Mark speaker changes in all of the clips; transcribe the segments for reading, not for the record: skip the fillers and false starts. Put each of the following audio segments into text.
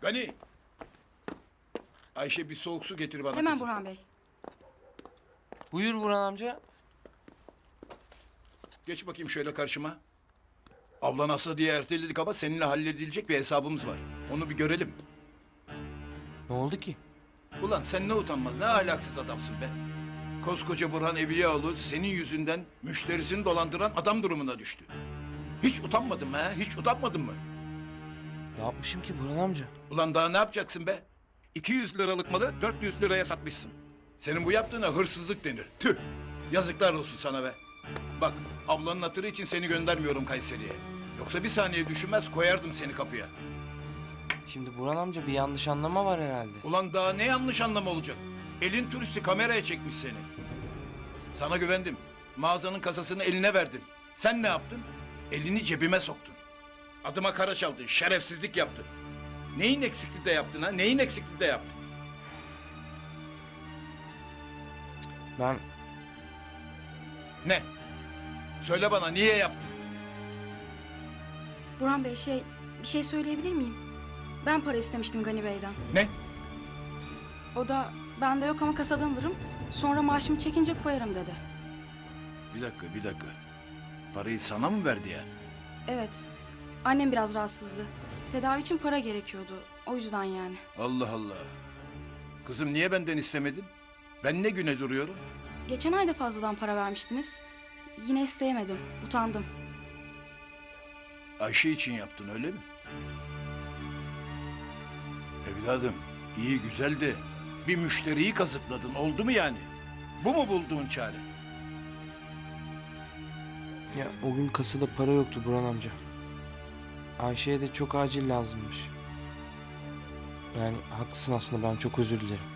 Speaker 1: Gani. Ayşe bir soğuk su getir bana
Speaker 2: Hemen
Speaker 1: kızım.
Speaker 2: Burhan Bey.
Speaker 3: Buyur Burhan amca.
Speaker 1: Geç bakayım şöyle karşıma. Ablan hasta diye erteledik ama seninle halledilecek bir hesabımız var. Onu bir görelim.
Speaker 3: Ne oldu ki?
Speaker 1: Ulan sen ne utanmaz, ne ahlaksız adamsın be. Koskoca Burhan Evliyaoğlu senin yüzünden müşterisini dolandıran adam durumuna düştü. Hiç utanmadın mı ha? Hiç utanmadın mı?
Speaker 3: Ne yapmışım ki Burhan amca?
Speaker 1: Ulan daha ne yapacaksın be? 200 liralık malı 400 liraya satmışsın. Senin bu yaptığına hırsızlık denir. Tüh! Yazıklar olsun sana be. Bak, ablanın hatırı için seni göndermiyorum Kayseri'ye. Yoksa bir saniye düşünmez koyardım seni kapıya.
Speaker 3: Şimdi Burhan amca bir yanlış anlama var herhalde.
Speaker 1: Ulan daha ne yanlış anlama olacak? Elin turisti kameraya çekmiş seni. Sana güvendim. Mağazanın kasasını eline verdim. Sen ne yaptın? Elini cebime soktun. Adıma kara çaldın, şerefsizlik yaptın. Neyin eksikliği de yaptın ha? Neyin eksikliği de yaptın?
Speaker 3: Ben
Speaker 1: Ne? Söyle bana niye yaptın?
Speaker 2: Burhan Bey bir şey söyleyebilir miyim? Ben para istemiştim Gani Bey'den.
Speaker 1: Ne?
Speaker 2: O da bende yok ama kasadan alırım. Sonra maaşımı çekince koyarım dedi.
Speaker 1: Bir dakika. Parayı sana mı verdi yani?
Speaker 2: Evet. Annem biraz rahatsızdı. Tedavi için para gerekiyordu. O yüzden yani.
Speaker 1: Allah Allah. Kızım niye benden istemedin? Ben ne güne duruyorum?
Speaker 2: Geçen ay da fazladan para vermiştiniz. Yine isteyemedim. Utandım.
Speaker 1: Ayşe için yaptın öyle mi? Evladım iyi güzel de bir müşteriyi kazıkladın oldu mu yani? Bu mu bulduğun çare?
Speaker 3: ya o gün kasada para yoktu Burhan amca. Ayşe'ye de çok acil lazımmış. Yani haklısın aslında, ben çok özür dilerim.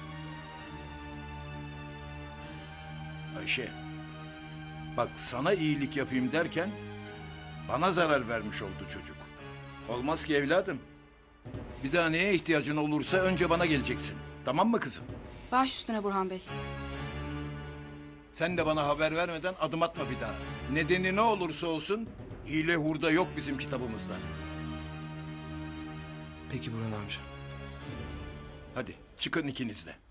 Speaker 1: Ayşe bak sana iyilik yapayım derken bana zarar vermiş oldu çocuk. Olmaz ki evladım. Bir daha neye ihtiyacın olursa önce bana geleceksin. Tamam mı kızım?
Speaker 2: Baş üstüne Burhan Bey.
Speaker 1: Sen de bana haber vermeden adım atma bir daha. Nedeni ne olursa olsun hile hurda yok bizim kitabımızda.
Speaker 3: Peki Burhan amca.
Speaker 1: Hadi çıkın ikiniz de.